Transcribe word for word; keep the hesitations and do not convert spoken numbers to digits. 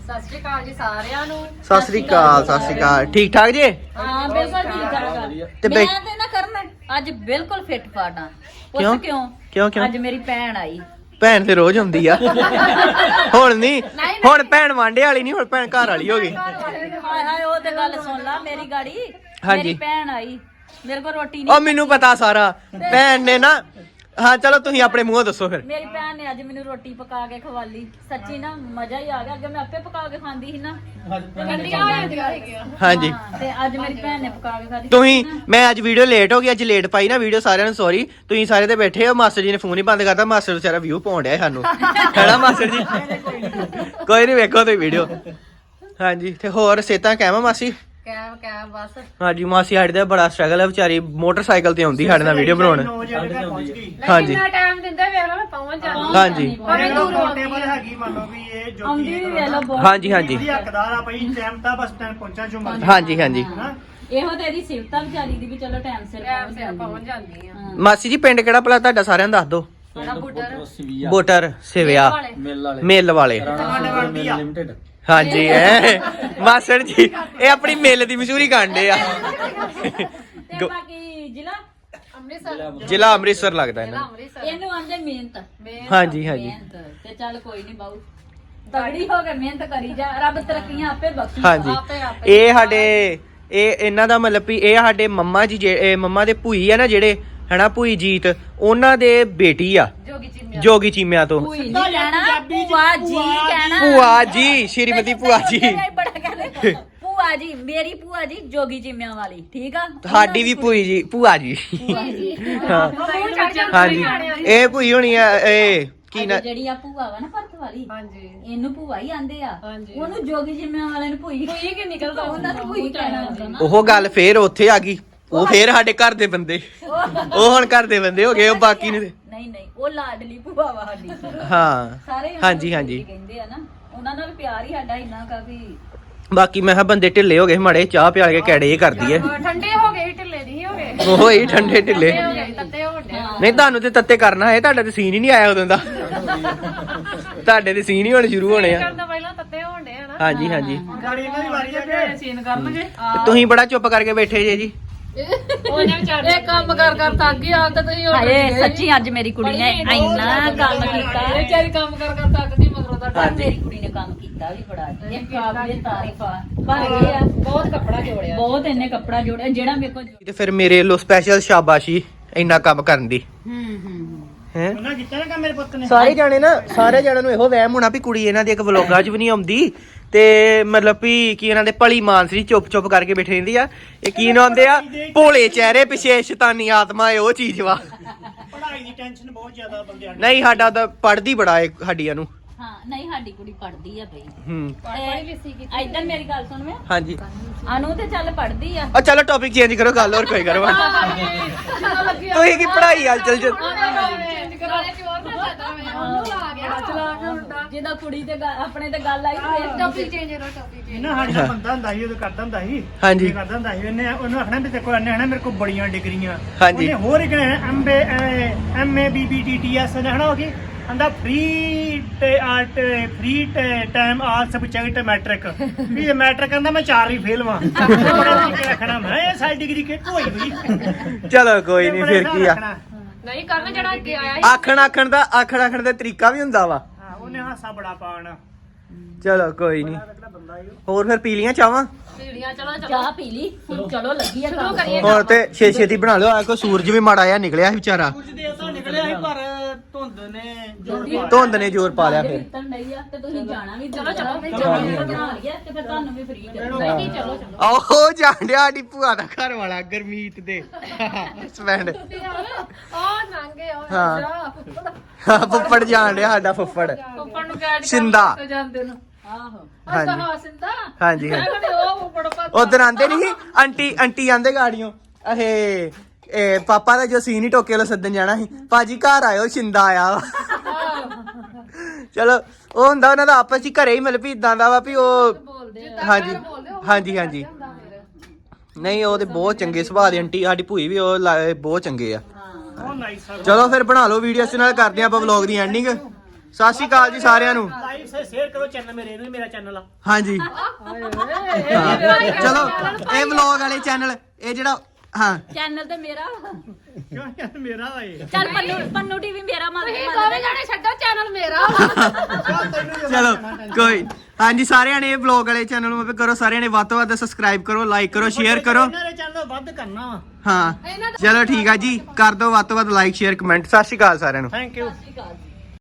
ਸਤਿ ਸ਼੍ਰੀ ਅਕਾਲ ਜੀ ਸਾਰਿਆਂ ਨੂੰ। ਸਤਿ ਸ੍ਰੀ ਅਕਾਲ ਸਤਿ ਸ੍ਰੀ ਅਕਾਲ। ਠੀਕ ਠਾਕ ਜੀ? ਹਾਂ ਬਿਲਕੁਲ ਠੀਕ ਠਾਕ। ਤੇ ਮੈਂ ਤੇ ਨਾ ਕਰਨ ਅੱਜ ਬਿਲਕੁਲ ਫਿੱਟ ਫਾਟ ਆ। ਕਿਉਂ? ਕਿਉਂ ਕਿਉਂ ਕਿਉਂ? ਅੱਜ ਮੇਰੀ ਭੈਣ ਆਈ। ਭੈਣ ਤੇ ਰੋਜ਼ ਹੁੰਦੀ ਆ। ਹੁਣ ਨਹੀਂ, ਹੁਣ ਭੈਣ ਵਾਂਡੇ ਵਾਲੀ ਨਹੀਂ, ਹੁਣ ਭੈਣ ਘਰ ਵਾਲੀ ਹੋ ਗਈ। ਹਾਏ ਹਾਏ ਉਹ ਤੇ ਗੱਲ ਸੁਣ ਲਾ ਮੇਰੀ ਗਾੜੀ। ਹਾਂਜੀ। ਮੇਰੀ ਭੈਣ ਆਈ, ਮੇਰੇ ਕੋਲ ਰੋਟੀ ਉਹ ਨਹੀਂ। ਮੈਨੂੰ ਪਤਾ ਸਾਰਾ। ਭੈਣ ਨੇ ਨਾ, ਹਾਂ ਚਲੋ ਤੁਸੀਂ ਆਪਣੇ ਮੂੰਹੋਂ ਦੱਸੋ ਫਿਰ। ਮੇਰੀ ਭੈਣ ਨੇ ਅੱਜ ਮੈਨੂੰ ਰੋਟੀ ਪਕਾ ਕੇ ਖਵਾਲੀ। ਸੱਚੀ ਨਾ ਮਜ਼ਾ ਹੀ ਆ ਗਿਆ। ਅੱਗੇ ਮੈਂ ਆਪੇ ਪਕਾ ਕੇ ਖਾਂਦੀ ਸੀ ਨਾ। ਹਾਂਜੀ ਤੇ ਅੱਜ ਮੇਰੀ ਭੈਣ ਨੇ ਪਕਾ ਕੇ ਖਾਦੀ। ਤੁਸੀਂ, ਮੈਂ ਅੱਜ ਵੀਡੀਓ ਲੇਟ ਹੋ ਗਈ, ਅੱਜ ਲੇਟ ਪਾਈ ਨਾ ਵੀਡੀਓ, ਸਾਰਿਆਂ ਨੂੰ ਸੌਰੀ। ਤੁਸੀਂ ਸਾਰੇ ਤੇ ਬੈਠੇ ਹੋ, ਮਾਸਟਰ ਜੀ ਨੇ ਫੋਨ ਹੀ ਬੰਦ ਕਰਤਾ। ਮਾਸਟਰ ਵਿਚਾਰਾ ਵਿਊ ਪਾਉਣ ਡਿਆ ਸਾਨੂੰ, ਹੈਨਾ ਮਾਸਟਰ ਜੀ? ਕੋਈ ਨਹੀਂ, ਵੇਖੋ ਤੁਸੀਂ ਵੀਡੀਓ। ਹਾਂਜੀ ਤੇ ਹੋਰ ਸਿਹਤਾਂ ਕਹਿਵਾ ਮਾਸੀ? ਕੈਮ ਕੈਮ ਬਸ। ਹਾਂਜੀ ਮਾਸੀ ਸਾਡੇ ਦਾ ਬੜਾ ਸਟਰਗਲ ਹੈ ਵਿਚਾਰੀ, ਮੋਟਰਸਾਈਕਲ ਤੇ ਆਉਂਦੀ ਸਾਡੇ ਨਾਲ ਵੀਡੀਓ ਬਣਾਉਣ। ਹਾਂਜੀ ਟਾਈਮ ਦਿੰਦੇ ਵੇਖ ਲਓ ਮੈਂ ਪਹੁੰਚ ਜਾਂਦੀ। ਹਾਂਜੀ ਬੜੇ ਦੂਰ ਟੇਬਲ ਹੈਗੀ ਮੰਨ ਲਓ ਵੀ ਇਹ ਜੋਤੀ ਆਉਂਦੀ ਵੀ ਵੇਖ ਲਓ ਬਹੁਤ। ਹਾਂਜੀ ਹਾਂਜੀ ਦੀ ਹੱਕਦਾਰ ਆ ਭਾਈ, ਟਾਈਮ ਤਾਂ ਬਸ ਟਾਈਮ ਪਹੁੰਚਾ ਜੋ ਮਰਜ਼ੀ। ਹਾਂਜੀ ਹਾਂਜੀ ਇਹੋ ਤੇ ਇਹਦੀ ਸਿਫਤਾਂ ਵਿਚਾਰੀ ਦੀ ਵੀ ਚਲੋ ਟਾਈਮ ਸਿਰ ਪਹੁੰਚ ਜਾਂਦੀ ਆ। ਮਾਸੀ ਜੀ ਪਿੰਡ ਕਿਹੜਾ ਭਲਾ ਤੁਹਾਡਾ, ਸਾਰਿਆਂ ਨੂੰ ਦੱਸ ਦਿਓ। ਬੋਟਰ ਸਿਵਿਆ ਮਿੱਲ ਵਾਲੇ। ਹਾਂਜੀ ਐ ਮਾਸੜ ਜੀ ਇਹ ਆਪਣੀ ਮਿੱਲ ਦੀ ਮਸ਼ਹੂਰੀ ਕਾਂਡੇ ਆ। ਤੇ ਬਾਕੀ ਜ਼ਿਲ੍ਹਾ ਅੰਮ੍ਰਿਤਸਰ, ਜ਼ਿਲ੍ਹਾ ਅੰਮ੍ਰਿਤਸਰ ਲੱਗਦਾ ਇਹਨਾਂ ਨੂੰ। ਇਹਨੂੰ ਆਂਦੇ ਮਿਹਨਤ। ਹਾਂਜੀ ਹਾਂਜੀ ਮਿਹਨਤ ਤੇ ਚੱਲ ਕੋਈ ਨਹੀਂ ਬਾਊ, ਤਗੜੀ ਹੋ ਕੇ ਮਿਹਨਤ ਕਰੀ ਜਾ, ਰੱਬ ਤਰੱਕੀਆਂ ਆਪੇ ਬਖਸ਼ੀ। ਹਾਂਜੀ ਇਹ ਸਾਡੇ, ਇਹ ਇਹਨਾਂ ਦਾ ਮਤਲਬ ਵੀ ਇਹ ਸਾਡੇ ਮੰਮਾ ਜੀ, ਇਹ ਮੰਮਾ ਦੇ ਭੂਈ ਆ ਨਾ ਜਿਹੜੇ, ਹਨਾ ਭੂਈ ਜੀਤ, ਉਹਨਾਂ ਦੇ ਬੇਟੀ ਆ ਜੋਗੀ ਚੀਮਿਆਂ ਤੋਂ। ਭੂਈ ਨਹੀਂ ਕਹਿਣਾ, ਭੂਆ ਜੀ ਕਹਿਣਾ। ਭੂਆ ਜੀ, ਸ਼੍ਰੀਮਤੀ ਭੂਆ ਜੀ। ਬੜਾ ਕਹਿੰਦੇ ਭੂਆ ਜੀ, ਮੇਰੀ ਭੂਆ ਜੀ ਜੋਗੀ ਚੀਮਿਆਂ ਵਾਲੀ, ਠੀਕ ਆ। ਸਾਡੀ ਵੀ ਭੂਈ ਜੀ, ਭੂਆ ਜੀ। ਹਾਂ ਹਾਂਜੀ ਇਹ ਭੂਈ ਹੋਣੀ ਆ, ਇਹ ਕੀ ਨਾ ਜਿਹੜੀ ਆ ਭੂਆ ਵਾ ਨਾ ਭਰਤ ਵਾਲੀ, ਹਾਂਜੀ ਇਹਨੂੰ ਭੂਆ ਹੀ ਆਂਦੇ ਆ। ਉਹਨੂੰ ਜੋਗੀ ਜਿੰਮਿਆਂ ਵਾਲੇ ਨੂੰ ਭੂਈ ਭੂਈ ਕਿ ਨਿਕਲਦਾ, ਉਹਨਾਂ ਨੂੰ ਭੂਈ ਕਹਿਣਾ। ਉਹ ਗੱਲ ਫੇਰ ਉੱਥੇ ਆ ਗਈ, ਉਹ ਫੇਰ ਸਾਡੇ ਘਰ ਦੇ ਬੰਦੇ, ਉਹ ਹੁਣ ਘਰ ਦੇ ਬੰਦੇ ਹੋ ਗਏ, ਉਹ ਬਾਕੀ ਨੇ ਨਹੀਂ ਨਹੀਂ ਉਹ ਲਾਡਲੀ ਭੂਆ ਵਾ ਸਾਡੀ। ਹਾਂ ਸਾਰੇ ਹਾਂਜੀ ਹਾਂਜੀ ਕਹਿੰਦੇ ਆ ਨਾ, ਉਹਨਾਂ ਨਾਲ ਪਿਆਰ ਹੀ ਸਾਡਾ ਇੰਨਾ ਕਾਫੀ। ਬਾਕੀ ਮੈਂ ਕਿਹਾ ਬੰਦੇ ਢਿੱਲੇ ਹੋ ਗਏ ਮੜੇ, ਚਾਹ ਪਿਆਲ ਕੇ ਕੈੜੇ ਇਹ ਕਰਦੀ ਐ। ਠੰਡੇ ਹੋ ਗਏ, ਢਿੱਲੇ ਨਹੀਂ ਹੋ ਗਏ। ਉਹ ਹੀ ਠੰਡੇ ਢਿੱਲੇ ਤੱਤੇ ਹੋ ਗਏ। ਨਹੀਂ ਤੁਹਾਨੂੰ ਤੇ ਤੱਤੇ ਕਰਨਾ ਹੈ, ਤੁਹਾਡਾ ਤੇ ਸੀਨ ਹੀ ਨਹੀਂ ਆਇਆ ਉਦੋਂ ਦਾ। ਤੁਹਾਡੇ ਤੇ ਸੀਨ ਹੀ ਹੋਣੇ ਸ਼ੁਰੂ ਹੋਣੇ ਆ। ਪਹਿਲਾਂ ਤੱਤੇ ਹੋਣ ਡੇ ਆ ਨਾ। ਹਾਂਜੀ ਹਾਂਜੀ ਗਾੜੀ ਇਹਨਾਂ ਦੀ ਵਾਰੀ ਆ ਕਿ ਸੀਨ ਕਰਨਗੇ। ਤੁਸੀਂ ਬੜਾ ਚੁੱਪ ਕਰਕੇ ਬੈਠੇ ਜੇ ਜੀ। ਉਹਨੇ ਵਿਚਾਰੇ ਇਹ ਕੰਮ ਕਰ ਕਰ ਥੱਕ ਗਈ ਆ, ਤੇ ਤੁਸੀਂ ਹਾਏ ਸੱਚੀ ਅੱਜ ਮੇਰੀ ਕੁੜੀ ਨੇ ਇੰਨਾ ਕੰਮ ਕੀਤਾ। ਇਹ ਵਿਚਾਰੀ ਕੰਮ ਕਰ ਕਰ ਥੱਕ ਗਈ, ਮਗਰੋਂ ਦਾ ਮੇਰੀ ਕੁੜੀ ਨੇ ਕੰਮ ਕੀਤਾ ਵੀ ਬੜਾ। ਇਹ ਕਾਬਲੇ ਤਾਰੀਫ ਆ। ਪਰ ਇਹ ਆ ਬਹੁਤ ਕੱਪੜਾ ਜੋੜਿਆ, ਬਹੁਤ ਇਹਨੇ ਕੱਪੜਾ ਜੋੜਿਆ ਜਿਹੜਾ ਮੇਰੇ ਕੋਲ। ਤੇ ਫਿਰ ਮੇਰੇ ਵੱਲੋਂ ਸਪੈਸ਼ਲ ਸ਼ਾਬਾਸ਼ੀ ਇੰਨਾ ਕੰਮ ਕਰਨ ਦੀ। ਹੂੰ ਹੂੰ ਹੈ ਉਹਨਾਂ ਕੀਤਾ ਨਾ ਕੰਮ ਮੇਰੇ ਪੁੱਤ ਨੇ। ਸਾਰੇ ਜਾਣੇ ਨਾ, ਸਾਰੇ ਜਾਣਿਆਂ ਨੂੰ ਇਹੋ ਵਹਿਮ ਹੋਣਾ ਵੀ ਕੁੜੀ ਇਹਨਾਂ ਦੀ ਇੱਕ ਵਲੋਗਾਂ 'ਚ ਵੀ ਨਹੀਂ ਆਉਂਦੀ, ਤੇ ਮਤਲਬ ਵੀ ਕੀ ਇਹਨਾਂ ਦੇ ਭਲੀ ਮਾਨਸਰੀ ਚੁੱਪ ਚੁੱਪ ਕਰਕੇ ਬੈਠੇ ਰਹਿੰਦੀ ਆ। ਇਹ ਕੀ ਨਾ ਹੁੰਦੇ ਆ, ਭੋਲੇ ਚਿਹਰੇ ਪਿੱਛੇ ਸ਼ੈਤਾਨੀ ਆਤਮਾ ਹੈ, ਉਹ ਚੀਜ਼ ਵਾ। ਪੜ੍ਹਾਈ ਦੀ ਟੈਨਸ਼ਨ ਬਹੁਤ ਜ਼ਿਆਦਾ ਬੰਦਿਆਂ ਨੂੰ। ਨਹੀਂ ਸਾਡਾ ਤਾਂ ਪੜ੍ਹਦੀ ਬੜਾ ਏ ਸਾਡੀਆਂ ਨੂੰ। ਹਾਂ ਨਹੀਂ ਸਾਡੀ ਕੁੜੀ ਪੜ੍ਹਦੀ ਆ ਬਈ। ਹੂੰ ਤੇ ਇਦਾਂ ਮੇਰੀ ਗੱਲ ਸੁਣ ਵੇ, ਹਾਂਜੀ ਅਨੂ ਤੇ ਚੱਲ ਪੜ੍ਹਦੀ ਆ। ਆ ਚਲੋ ਟੌਪਿਕ ਚੇਂਜ ਕਰੋ, ਗੱਲ ਹੋਰ ਕੋਈ ਕਰੋ। ਤੁਸੀਂ ਕੀ ਪੜ੍ਹਾਈ ਆ ਚੱਲ ਚੱਲ। ਜਿਹਦਾ ਕੁੜੀ ਤੇ ਆਪਣੇ ਤੇ ਗੱਲ ਆਈ, ਟੌਪਿਕ ਚੇਂਜ ਕਰੋ, ਟੌਪਿਕ ਚੇਂਜ। ਇਹਨਾਂ ਸਾਡੇ ਨਾਲ ਬੰਦਾ ਹੁੰਦਾ ਸੀ, ਉਦੋਂ ਕਰਦਾ ਹੁੰਦਾ ਸੀ। ਹਾਂਜੀ। ਇਹ ਕਰਦਾ ਹੁੰਦਾ ਸੀ, ਉਹਨੇ ਉਹਨੂੰ ਆਖਣਾ ਵੀ ਦੇਖੋ ਇਹਨੇ ਹਨਾ ਮੇਰੇ ਕੋਲ ਬੜੀਆਂ ਡਿਗਰੀਆਂ। ਹਾਂਜੀ। ਉਹਨੇ ਹੋਰ ਇੱਕ ਐਮਬੀ ਐਮਏ ਬੀਬੀ ਟੀਟੀਐਸ ਨੇ ਹਨਾ ਹੋ ਗਈ, ਆਂਦਾ ਫ੍ਰੀ ਤੇ art free time all subject matric. ਵੀ ਇਹ ਮੈਟ੍ਰਿਕ ਕਹਿੰਦਾ ਮੈਂ ਚਾਰ ਹੀ ਫੇਲ ਵਾਂ। ਬੜਾ ਤਰੀਕੇ ਰੱਖਣਾ ਮੈਂ, ਇਹ ਸਾਡੀ ਡਿਗਰੀ ਕਿੱਥੋਂ ਹੋਈ ਹੋਈ। ਚਲੋ ਕੋਈ ਨਹੀਂ, ਫਿਰ ਕੀ ਆ। ਨਹੀਂ ਕਰਨ ਜਿਹੜਾ ਅੱਗੇ ਆਇਆ ਆਖਣ ਆਖਣ ਦਾ ਆਖਣ ਆਖਣ ਦਾ ਤਰੀਕਾ ਵੀ ਹੁੰਦਾ ਵਾ। ਹਾਂ ਉਹਨੇ ਹਾਸਾ ਬੜਾ ਪਾਉਣਾ। ਚਲੋ ਕੋਈ ਨਹੀਂ। ਹੋਰ ਫਿਰ ਪੀ ਲੀਆਂ ਚਾਵਾਂ? ਚਾਹ ਪੀ ਲਈ, ਹੁਣ ਚਲੋ ਲੱਗੀ ਆ ਕੰਮ। ਹੋਰ ਤੇ ਛੇ ਛੇਤੀ ਬਣਾ ਲਿਓ। ਆ ਕੋ ਸੂਰਜ ਵੀ ਮਾੜਾ ਜਿਹਾ ਨਿਕਲਿਆ ਸੀ ਵਿਚਾਰਾ, ਕੁਝ ਦੇਰ ਨਿਕਲਿਆ ਸੀ ਪਰ ਧੁੰਦ ਨੇ ਧੁੰਦ ਨੇ ਜ਼ੋਰ ਪਾ ਲਿਆ ਫਿਰ। ਤੇ ਤੁਸੀਂ ਜਾਣਾ ਵੀ, ਚਲੋ ਚਲੋ ਬਣਾ ਲਿਆ ਤੇ ਫਿਰ ਤੁਹਾਨੂੰ ਵੀ ਫ੍ਰੀ ਕਰ ਦਾਂਗੇ। ਚਲੋ ਚਲੋ ਆਹੋ ਜਾਂਡਿਆ ਸਾਡੀ ਭੂਆ ਦਾ ਘਰ ਵਾਲਾ ਗਰਮੀਤ ਦੇ ਸਪੈਂਡ। ਆ ਨਾਂਗੇ ਆ ਹਾਂ ਹਾਂ ਫੁੱਫੜ ਜਾਂਡਿਆ ਸਾਡਾ ਫੁੱਫੜ ਉੱਪਰ ਨੂੰ ਕਹਿ ਸਿੰਦਾ। ਜਾਂਦੇ ਨੂੰ। ਆਹੋ ਹਾਂਜੀ ਹਾਂ ਸਿੰਦਾ। ਹਾਂਜੀ ਹਾਂਜੀ ਉਹ ਬੜਾ ਪਤਾ ਉਧਰ ਆਂਦੇ ਨਹੀਂ ਆਂਟੀ ਆਂਟੀ ਆਂਦੇ ਗਾੜੀਆਂ ਇਹ ਇਹ ਪਾਪਾ ਦਾ ਜੋ ਸੀਨ ਹੀ ਟੋਕੇ ਵਾਲਾ ਸੱਦਣ ਜਾਣਾ ਸੀ, ਭਾਜੀ ਘਰ ਆਇਓ ਸਿੰਦਾ ਆਇਆ ਵਾ। ਚਲੋ ਉਹ ਹੁੰਦਾ ਉਹਨਾਂ ਦਾ ਆਪਸ ਚ ਘਰੇ ਹੀ ਮਤਲਬ ਵੀ ਇਦਾਂ ਦਾ ਵਾ ਵੀ ਉਹ। ਹਾਂਜੀ ਹਾਂਜੀ ਹਾਂਜੀ ਨਹੀਂ ਉਹ ਤੇ ਬਹੁਤ ਚੰਗੇ ਸੁਭਾਅ ਦੇ ਆਂਟੀ, ਸਾਡੀ ਭੂਈ ਵੀ ਉਹ ਬਹੁਤ ਚੰਗੇ ਆ। ਚਲੋ ਫਿਰ ਬਣਾ ਲਓ ਵੀਡੀਓ, ਇਸ ਨਾਲ ਕਰਦੇ ਆਪਾਂ ਵਲੌਗ ਦੀ ਐਂਡਿੰਗ। ਸਤਿ ਸ਼੍ਰੀ ਅਕਾਲ ਜੀ ਸਾਰਿਆਂ ਨੂੰ ਲਾਈਕ ਸੇ ਸ਼ੇਅਰ ਕਰੋ ਚੈਨਲ ਮੇਰੇ ਇਹਨੂੰ ਮੇਰਾ ਚੈਨਲ ਆ ਹਾਂਜੀ ਚਲੋ ਇਹ ਵਲੌਗ ਵਾਲੇ ਚੈਨਲ ਇਹ ਜਿਹੜਾ ਹਾਂ ਚੈਨਲ ਤੇ ਮੇਰਾ ਕਿਉਂ ਯਾਰ ਮੇਰਾ ਏ ਚੱਲ ਪੰਨੂ ਪੰਨੂ ਟੀਵੀ ਮੇਰਾ ਮੰਨ ਤੁਸੀਂ ਦੋਵੇਂ ਜਾਣੇ ਛੱਡੋ ਚੈਨਲ ਮੇਰਾ ਚਲੋ ਕੋਈ ਹਾਂਜੀ ਸਾਰਿਆਂ ਨੇ ਇਹ ਵਲੌਗ ਵਾਲੇ ਚੈਨਲ ਨੂੰ ਕਰੋ ਸਾਰਿਆਂ ਨੇ ਵੱਧ ਤੋਂ ਵੱਧ ਸਬਸਕ੍ਰਾਈਬ ਕਰੋ ਲਾਈਕ ਕਰੋ ਸ਼ੇਅਰ ਕਰੋ ਇਹਨਾਂ ਦੇ ਚੈਨਲ ਵੱਧ ਕਰਨਾ ਵਾ ਹਾਂ ਚਲੋ ਠੀਕ ਆ ਜੀ ਕਰ ਦਿਓ ਵੱਧ ਤੋਂ ਵੱਧ ਲਾਈਕ ਸ਼ੇਅਰ ਕਮੈਂਟ ਸਤਿ ਸ਼੍ਰੀ ਅਕਾਲ ਸਾਰਿਆਂ ਨੂੰ ਥੈਂਕ ਯੂ ਸਤਿ ਸ਼੍ਰੀ ਅਕਾਲ